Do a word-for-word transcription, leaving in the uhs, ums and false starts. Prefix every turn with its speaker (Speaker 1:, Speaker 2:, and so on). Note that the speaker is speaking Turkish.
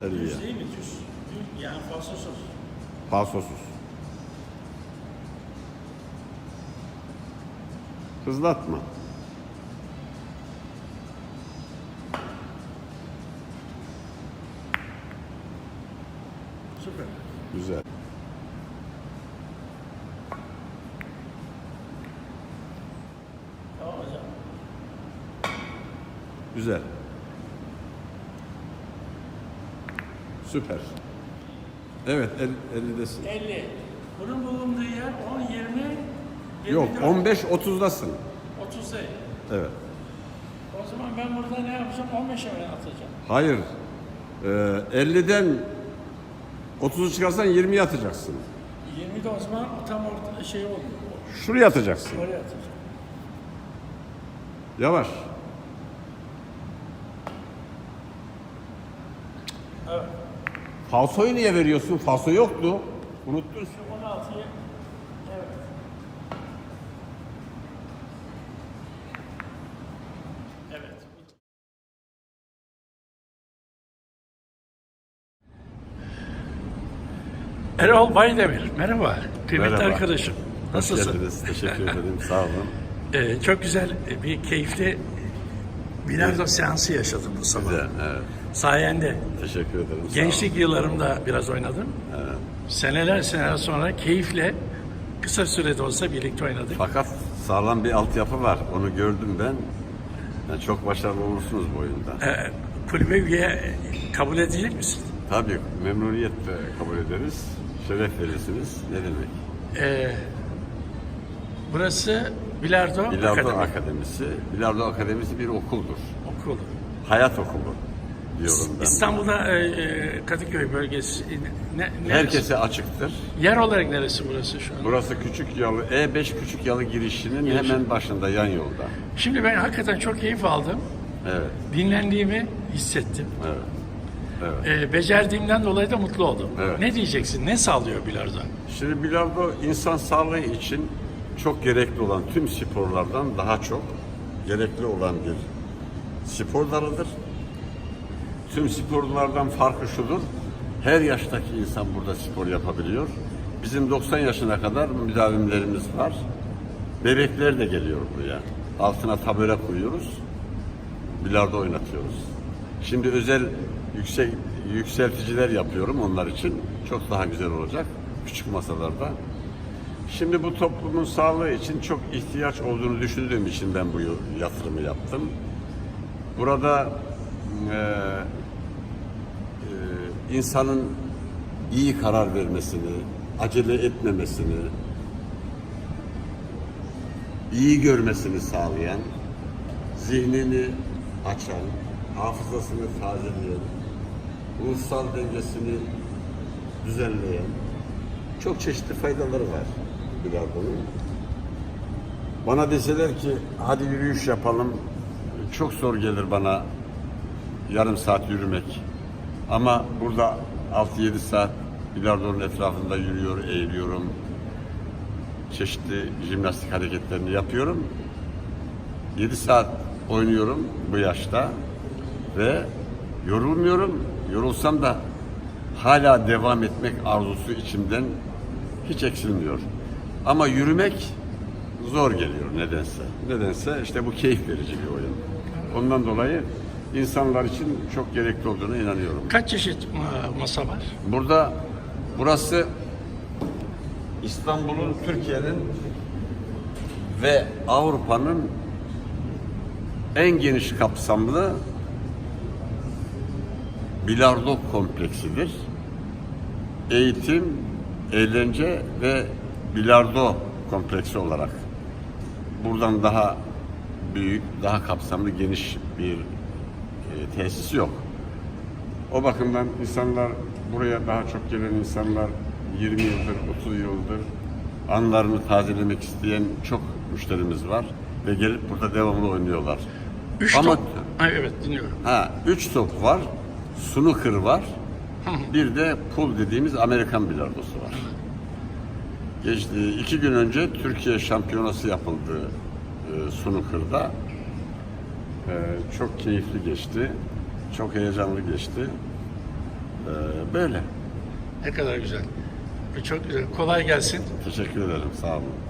Speaker 1: elliye.
Speaker 2: Düz değil mi? Düz. Düz. Yani falsosuz.
Speaker 1: Falsosuz. Hızlatma.
Speaker 2: Süper.
Speaker 1: Güzel.
Speaker 2: Tamam hocam.
Speaker 1: Güzel. Süper. Evet, el, ellidesin.
Speaker 2: elli. Bunun bulunduğu yer on, yirmi,
Speaker 1: Yok,
Speaker 2: yirmi dört,
Speaker 1: on beş otuzdasın.
Speaker 2: otuz değil.
Speaker 1: Evet.
Speaker 2: O zaman ben burada ne yapacağım? on beşe mi atacağım?
Speaker 1: Hayır. Ee, elliden otuzu çıkarsan yirmiye atacaksın.
Speaker 2: yirmide o zaman tam orta şey oldu.
Speaker 1: Şuraya atacaksın.
Speaker 2: Oraya atacağım.
Speaker 1: Yavaş.
Speaker 2: Evet.
Speaker 1: Falsoyu niye veriyorsun? Falso yoktu. Unuttun.
Speaker 2: Şu on altıya evet. Evet. Erol Baydemir, merhaba. Kıymetli
Speaker 1: Merhaba.
Speaker 2: arkadaşım. Nasılsın?
Speaker 1: Hoş geldiniz. Teşekkür ederim. Sağ olun.
Speaker 2: Ee, çok güzel bir keyifli bilardo seansı yaşadım bu sabah.
Speaker 1: Güzel. Evet.
Speaker 2: Sayende.
Speaker 1: Teşekkür ederim. Sağ
Speaker 2: Gençlik yıllarımda biraz oynadım.
Speaker 1: Evet.
Speaker 2: Seneler seneler sonra keyifle kısa sürede olsa birlikte oynadık.
Speaker 1: Fakat sağlam bir altyapı var. Onu gördüm ben. Yani çok başarılı olursunuz bu oyunda.
Speaker 2: Ee, kulübe üye kabul edecek misin?
Speaker 1: Tabii memnuniyetle kabul ederiz. Şeref verirsiniz. Ne demek?
Speaker 2: Ee, burası Bilardo,
Speaker 1: Bilardo
Speaker 2: Akademi.
Speaker 1: Akademisi. Bilardo Akademisi bir okuldur.
Speaker 2: Okulu.
Speaker 1: Hayat okulu diyorum ben.
Speaker 2: İstanbul'da e, e, Kadıköy bölgesi ne, neresi?
Speaker 1: Herkese açıktır.
Speaker 2: Yer olarak neresi burası şu an?
Speaker 1: Burası Küçük Yalı, E beş Küçük Yalı girişinin
Speaker 2: Giriş.
Speaker 1: hemen başında, yan yolda.
Speaker 2: Şimdi ben hakikaten çok keyif aldım.
Speaker 1: Evet,
Speaker 2: Dinlendiğimi hissettim.
Speaker 1: evet. Evet.
Speaker 2: E, becerdiğimden dolayı da mutlu oldum.
Speaker 1: Evet.
Speaker 2: Ne diyeceksin? Ne sağlıyor bilardo?
Speaker 1: Şimdi bilardo insan sağlığı için çok gerekli olan tüm sporlardan daha çok gerekli olan bir spor dalıdır. Tüm sporlardan farkı şudur: her yaştaki insan burada spor yapabiliyor. Bizim doksan yaşına kadar müdavimlerimiz var. Bebekler de geliyor buraya. Altına tabure koyuyoruz. Bilardo oynatıyoruz. Şimdi özel yüksek yükselticiler yapıyorum onlar için. Çok daha güzel olacak küçük masalarda. Şimdi bu toplumun sağlığı için çok ihtiyaç olduğunu düşündüğüm için ben bu yatırımı yaptım. Burada e, e, insanın iyi karar vermesini, acele etmemesini, iyi görmesini sağlayan, zihnini açan, hafızasını tazeleyen, ruhsal dengesini düzenleyen çok çeşitli faydaları var bilardonun. Bana deseler ki hadi yürüyüş yapalım, çok zor gelir bana yarım saat yürümek. Ama burada altı yedi saat bilardonun etrafında yürüyor, eğiliyorum. Çeşitli jimnastik hareketlerini yapıyorum. yedi saat oynuyorum bu yaşta ve yorulmuyorum. Yorulsam da hala devam etmek arzusu içimden hiç eksilmiyor. Ama yürümek zor geliyor nedense. Nedense işte bu keyif verici bir oyun. Ondan dolayı insanlar için çok gerekli olduğuna inanıyorum.
Speaker 2: Kaç çeşit ma- masa var?
Speaker 1: Burada, burası İstanbul'un, Türkiye'nin ve Avrupa'nın en geniş kapsamlı bilardo kompleksidir. Eğitim, eğlence ve bilardo kompleksi olarak buradan daha büyük, daha kapsamlı, geniş bir e, tesis yok. O bakımdan insanlar, buraya daha çok gelen insanlar yirmi yıldır, otuz yıldır anılarını tazelemek isteyen çok müşterimiz var ve gelip burada devamlı oynuyorlar.
Speaker 2: Üç
Speaker 1: Ama
Speaker 2: top. Ha, evet dinliyorum.
Speaker 1: ha, üç top var, snooker var, bir de pool dediğimiz Amerikan bilardosu var. Geçti, iki gün önce Türkiye şampiyonası yapıldı e, snooker'da. E, çok keyifli geçti, çok heyecanlı geçti. Ee, böyle.
Speaker 2: Ne kadar güzel. E, Çok güzel. Kolay gelsin.
Speaker 1: Teşekkür ederim. Sağ olun.